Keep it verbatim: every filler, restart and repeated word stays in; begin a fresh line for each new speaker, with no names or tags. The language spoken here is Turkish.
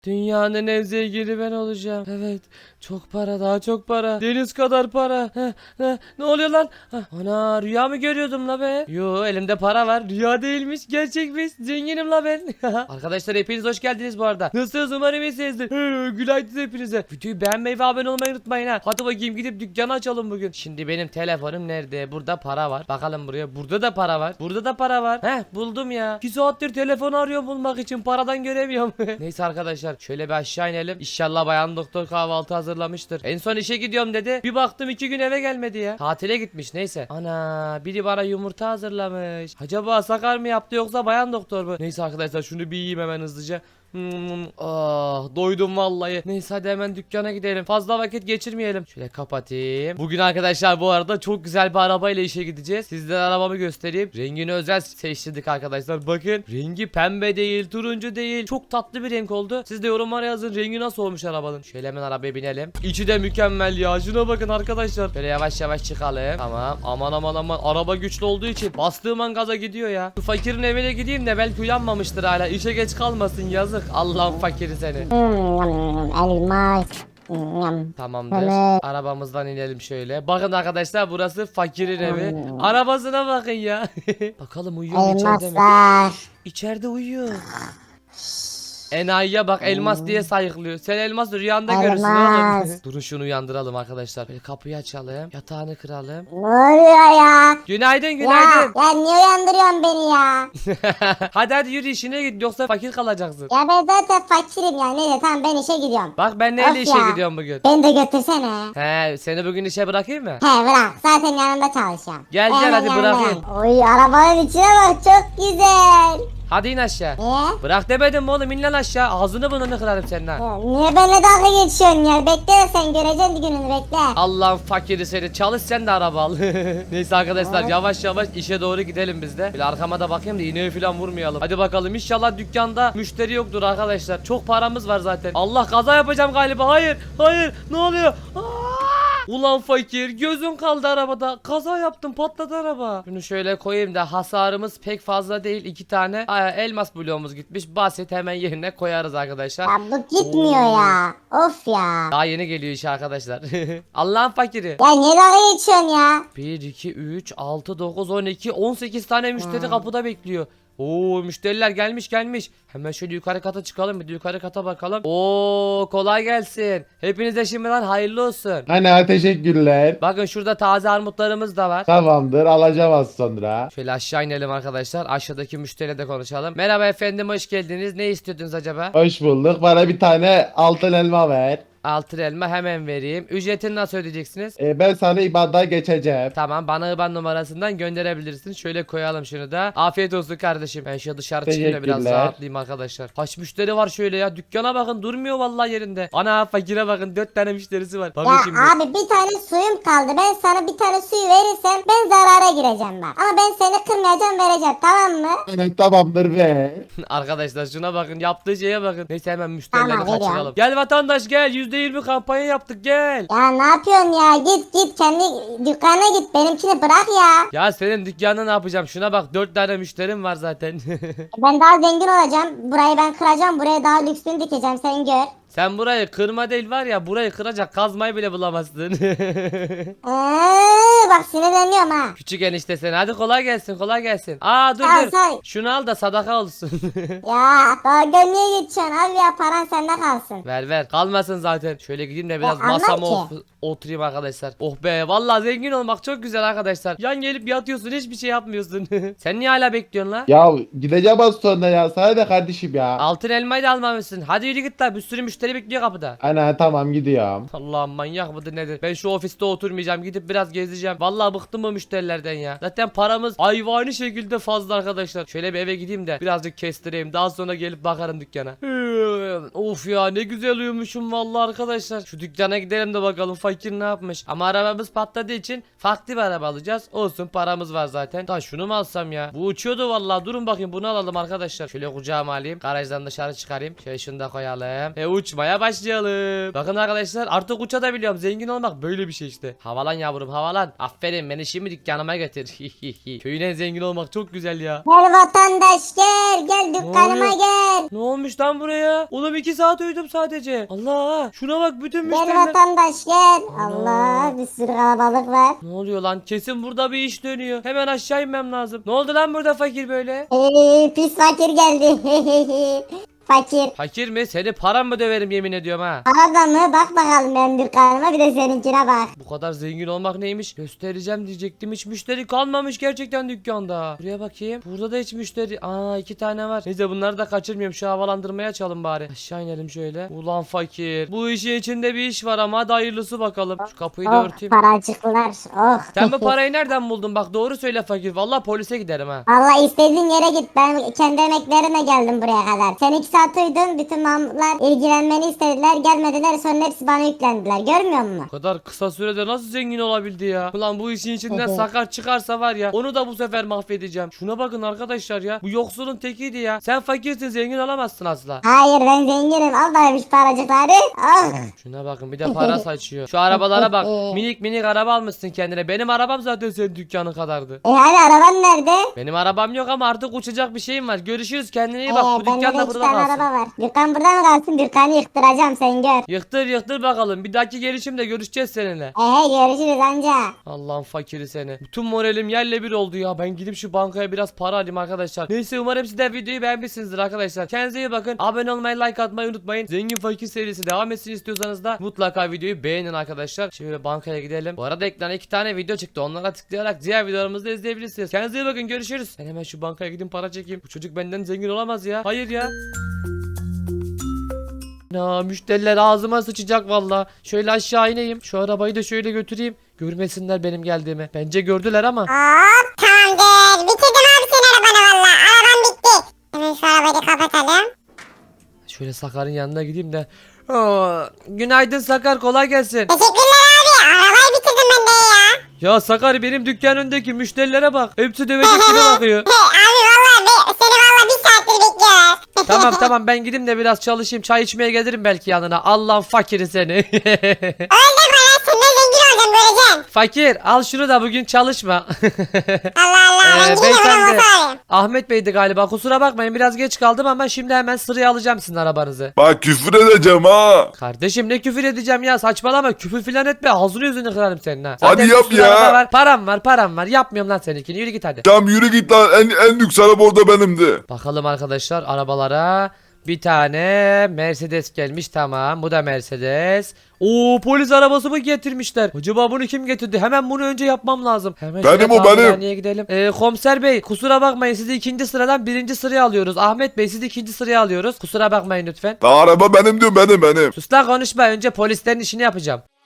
Dünyanın en zengini ben olacağım. Evet. Çok para, daha çok para. Deniz kadar para. Heh, heh. Ne oluyor lan? Heh. Ana, rüya mı görüyordum la be? Yo, elimde para var. Rüya değilmiş, gerçekmiş. Zenginim la ben. Arkadaşlar hepiniz hoş geldiniz bu arada. Nasılsınız, umarım iyisinizdir. Günaydın hepinize. Videoyu beğenmeyi ve abone olmayı unutmayın ha. Hadi bakayım gidip dükkanı açalım bugün. Şimdi benim telefonum nerede? Burada para var. Bakalım buraya. Burada da para var. Burada da para var. Heh, buldum ya. iki saattir telefon arıyorum bulmak için. Paradan göremiyorum. Neyse arkadaşlar, şöyle bir aşağı inelim. İnşallah bayan doktor kahvaltı hazırlamıştır. En son işe gidiyorum dedi. Bir baktım iki gün eve gelmedi ya. Tatile gitmiş, neyse. Ana, biri bana yumurta hazırlamış. Acaba Sakar mı yaptı yoksa bayan doktor mu? Neyse arkadaşlar, şunu bir yiyeyim hemen hızlıca. Hmm, ah, doydum vallahi. Neyse hadi hemen dükkana gidelim. Fazla vakit geçirmeyelim. Şöyle kapatayım. Bugün arkadaşlar bu arada çok güzel bir arabayla işe gideceğiz. Sizlere arabamı göstereyim. Rengini özel seçtirdik arkadaşlar. Bakın, rengi pembe değil, turuncu değil. Çok tatlı bir renk oldu. Siz de yorumlara yazın, rengi nasıl olmuş arabanın. Şöyle hemen arabaya binelim. İçi de mükemmel ya. Şuna bakın arkadaşlar. Böyle yavaş yavaş çıkalım. Tamam. Aman aman aman. Araba güçlü olduğu için bastığım an gaza gidiyor ya. Şu fakirin evine gideyim de belki uyanmamıştır hala. İşe geç kalmasın, yazık. Allah'ın fakiri seni.
Hmm, elmas. Hmm.
Tamamdır.
Evet.
Arabamızdan inelim şöyle. Bakın arkadaşlar, burası fakirin evi.
Hmm.
Arabasına bakın ya. Bakalım uyuyor mu içeride mi?
Elmaslar.
İçeride uyuyor. Enayiye bak, elmas diye sayıklıyor. Sen elmas rüyanda görürsün
Elmas.
oğlum. Durun şunu uyandıralım arkadaşlar. Böyle kapıyı açalım. Yatağını kıralım.
Ne oluyor ya?
Günaydın
Ya,
günaydın.
ya niye uyandırıyorsun beni ya?
Hadi hadi yürü, işine git yoksa fakir kalacaksın.
Ya ben zaten fakirim ya. Neyse tamam, ben işe gidiyorum.
Bak ben neyle
Of
işe
ya.
gidiyorum bugün.
Beni de götürsene.
He, seni bugün işe bırakayım mı?
He bırak. Zaten yanında çalışıyorum.
Gel, gel,
Hemen
hadi
yanındayım.
bırakayım.
Oy, arabanın içine bak, çok güzel.
Hadi in aşağı.
Niye?
Bırak demedim mi oğlum, in lan aşağı. Ağzını burnunu kırarım senin ha.
Ya, niye benimle dalga geçiyorsun ya? Bekle, sen göreceksin bir gününü, bekle.
Allah'ın fakiri seni, çalış sen de araba al. Neyse arkadaşlar,
Evet.
yavaş yavaş işe doğru gidelim biz de. Bir arkama da bakayım da iğneyi falan vurmayalım. Hadi bakalım, inşallah dükkanda müşteri yoktur arkadaşlar. Çok paramız var zaten. Allah, kaza yapacağım galiba. Hayır hayır, ne oluyor? Aa! Ulan fakir, gözün kaldı arabada. Kaza yaptım, patladı araba. Şunu şöyle koyayım da, hasarımız pek fazla değil. İki tane aa, elmas bloğumuz gitmiş. Basit, hemen yerine koyarız arkadaşlar.
Ya bu gitmiyor
Oo.
ya. Of ya.
Daha yeni geliyor iş arkadaşlar. Allah'ın fakiri.
Ya niye dalga geçiyorsun ya?
bir, iki, üç, altı, dokuz, on iki, on sekiz tane müşteri
Hmm.
kapıda bekliyor. Oo, müşteriler gelmiş gelmiş. Hemen şöyle yukarı kata çıkalım, bir de yukarı kata bakalım. Oo, kolay gelsin. Hepinize şimdiden hayırlı olsun.
Ana teşekkürler.
Bakın şurada taze armutlarımız da var.
Tamamdır, alacağım az sonra.
Şöyle aşağı inelim arkadaşlar. Aşağıdaki müşteriyle de konuşalım. Merhaba efendim, hoş geldiniz. Ne istiyordunuz acaba?
Hoş bulduk. Bana bir tane altın elma ver.
Altın elma hemen vereyim. Ücretini nasıl ödeyeceksiniz?
Ee, ben sana IBAN'dan geçeceğim.
Tamam, bana I B A N numarasından gönderebilirsin. Şöyle koyalım şunu da. Afiyet olsun kardeşim. Ben şu dışarı çıkayım da biraz
Teşekkürler.
rahatlayayım arkadaşlar. Kaç müşteri var şöyle ya. Dükkana bakın, durmuyor vallahi yerinde. Ana, fakire bakın, dört tane müşterisi var. Bakın
Ya
şimdi.
abi, bir tane suyum kaldı. Ben sana bir tane suyu verirsem ben zarara gireceğim bak. Ama ben seni kırmayacağım, vereceğim, tamam mı?
Evet, tamamdır ver.
Arkadaşlar şuna bakın, yaptığı şeye bakın. Neyse hemen müşterileri
Tamam, veriyorum.
kaçıralım. Gel vatandaş gel, yüzde yirmi kampanya yaptık, gel.
Ya ne yapıyorsun ya? Git git kendi dükkana git. Benimkini bırak ya.
Ya senin dükkanını ne yapacağım? Şuna bak, dört tane müşterim var zaten.
Ben daha zengin olacağım. Burayı ben kıracağım. Buraya daha lüksünü dikeceğim. Sen gör.
Sen burayı kırma değil var ya, burayı kıracak kazmayı bile bulamazsın.
Ee, bak sinirleniyorum ha.
Küçük enişte sen, hadi kolay gelsin, kolay gelsin. Aa dur
Sağ ol,
dur,
sağ ol.
şunu al da sadaka olsun.
Ya daha niye geçiyorsun abi ya? Paran sende kalsın.
Ver ver, kalmasın zaten. Şöyle gideyim de biraz
Ya, anlar
masama
ki.
of- oturayım arkadaşlar. Oh be, vallahi zengin olmak çok güzel arkadaşlar. Yan gelip yatıyorsun, hiçbir şey yapmıyorsun. Sen niye hala bekliyorsun la?
Ya gideceğim az sonra ya. Sana da kardeşim ya.
Altın elmayı da almamışsın. Hadi yürü git la, bir sürü müşteri bekliyor kapıda.
Ana tamam, gidiyorum.
Allah'ım, manyak mıdır nedir? Ben şu ofiste oturmayacağım, gidip biraz gezeceğim. Vallahi bıktım bu müşterilerden ya. Zaten paramız hayvani şekilde fazla arkadaşlar. Şöyle bir eve gideyim de birazcık kestireyim. Daha sonra gelip bakarım dükkana. Of ya, ne güzel uyumuşum vallahi arkadaşlar. Şu dükkana gidelim de bakalım fakir ne yapmış. Ama arabamız patladığı için farklı bir araba alacağız. Olsun, paramız var zaten. Da şunu mu alsam ya? Bu uçuyordu vallahi. Durun bakayım, bunu alalım arkadaşlar. Şöyle kucağıma alayım. Garajdan dışarı çıkarayım. Şöyle şunu da koyalım. E uçmaya başlayalım. Bakın arkadaşlar, artık uçabiliyorum. Zengin olmak böyle bir şey işte. Havalan yavrum, havalan. Aferin, beni şimdi dükkanıma getir. Köyün en zengin olmak çok güzel ya.
Gel vatandaş gel. Gel dükkanıma
oluyor?
gel.
Ne olmuş lan buraya? Oğlum iki saat uyudum sadece. Allah şuna bak bütün
Gel
müşteriler.
vatandaş gel.
Ana.
Allah bir sürü kalabalık var.
Ne oluyor lan? Kesin burada bir iş dönüyor. Hemen aşağı inmem lazım. Ne oldu lan burada fakir böyle?
Hey, pis fakir geldi. Fakir.
Fakir mi? Seni param mı döverim yemin ediyorum ha.
Arada mı? Bak bakalım benim dükkanıma bir de seninkine bak.
Bu kadar zengin olmak neymiş? Göstereceğim diyecektim. Hiç müşteri kalmamış gerçekten dükkanda. Buraya bakayım. Burada da hiç müşteri. Aa iki tane var. Neyse bunları da kaçırmayayım. Şu havalandırmaya açalım bari. Aşağı inelim şöyle. Ulan fakir. Bu işin içinde bir iş var ama hadi hayırlısı bakalım. Şu kapıyı da
Oh
örteyim.
paracıklar. Oh.
Sen bu parayı nereden buldun? Bak doğru söyle fakir. Vallahi polise giderim ha.
Allah istediğin yere git. Ben kendi emeklerimle geldim buraya kadar. Sen iki saat uyudun. Bütün Mahmutlar ilgilenmeni istediler. Gelmediler. Sonra hepsi bana yüklendiler. Görmüyor musun?
Bu kadar kısa sürede nasıl zengin olabildi ya? Ulan bu işin içinden
Evet.
sakar çıkarsa var ya onu da bu sefer mahvedeceğim. Şuna bakın arkadaşlar ya. Bu yoksulun tekiydi ya. Sen fakirsin zengin olamazsın asla.
Hayır ben zenginim. Al bakayım şu paracıkları. Oh.
Şuna bakın bir de para saçıyor. Şu arabalara bak. Minik minik araba almışsın kendine. Benim arabam zaten senin dükkanın kadardı.
E hani araban nerede?
Benim arabam yok ama artık uçacak bir şeyim var. Görüşürüz kendine iyi
Ee,
bak. Bu
bende
dükkan
de
da
iki
burada
tane
kalsın.
araba var. Dükkan burada mı kalsın? Dükkanı yıktıracağım sen gör.
Yıktır yıktır bakalım. Bir dahaki gelişimde görüşeceğiz seninle.
Ehe görüşürüz anca.
Allah'ın fakiri seni. Bütün moralim yerle bir oldu ya. Ben gidip şu bankaya biraz para alayım arkadaşlar. Neyse umarım siz de videoyu beğenmişsinizdir arkadaşlar. Kendinize iyi bakın. Abone olmayı, like atmayı unutmayın. Zengin fakir serisi devam etsin istiyorsanız da mutlaka videoyu beğenin arkadaşlar. Şimdi bankaya gidelim. Bu arada ekrana iki tane video çıktı. Onlara tıklayarak diğer videolarımızı da izleyebilirsiniz. Kendinize iyi bakın. Görüşürüz. Ben hemen şu bankaya gideyim para çekeyim. Bu çocuk benden zengin olamaz ya. Hayır ya. Na müşteriler ağzıma sıçacak valla. Şöyle aşağı ineyim. Şu arabayı da şöyle götüreyim. Görmesinler benim geldiğimi. Bence gördüler ama.
Hop tamamdır. Bitirdim abi senin arabanı valla. Araban bitti. Hemen şu arabayı da kapatalım.
Şöyle Sakar'ın yanına gideyim de. Aa, günaydın Sakar kolay gelsin.
Teşekkürler abi. Arabayı bitirdim ben de ya.
Ya Sakar benim dükkan önündeki müşterilere bak. Hepsi dövecek gibi bakıyor.
He, abi valla be, seni valla bir saattir bekliyorlar.
Tamam tamam ben gideyim de biraz çalışayım. Çay içmeye gelirim belki yanına. Allah'ın fakiri seni.
Öyle deme ya senden zengin olacağım göreceksin.
Fakir al şunu da bugün çalışma.
Allah Allah
Ee,
ben gideyim
beyefendi.
hemen motor alayım.
Ahmet Bey'di galiba. Kusura bakmayın biraz geç kaldım ama şimdi hemen sıraya alacağım sizin arabanızı.
Bak küfür edeceğim ha.
Kardeşim ne küfür edeceğim ya saçmalama küfür filan etme ağzını yüzünü kırarım senin ha.
Hadi
bir
yap
sürü
ya.
araba Var, param var param var yapmıyorum lan seninkini yürü git hadi.
Tamam yürü git lan en, en lüks araba orada benimdi.
Bakalım arkadaşlar arabalara. Bir tane Mercedes gelmiş tamam bu da Mercedes. Oo polis arabası mı getirmişler? Acaba bunu kim getirdi? Hemen bunu önce yapmam lazım. Hemen
Benim
şöyle
o, benim.
tamirhaneye gidelim. Ee, komiser bey kusura bakmayın sizi ikinci sıradan birinci sıraya alıyoruz. Ahmet Bey sizi ikinci sıraya alıyoruz. Kusura bakmayın lütfen.
Daha araba benim diyor benim benim.
Sus lan konuşma önce polislerin işini yapacağım.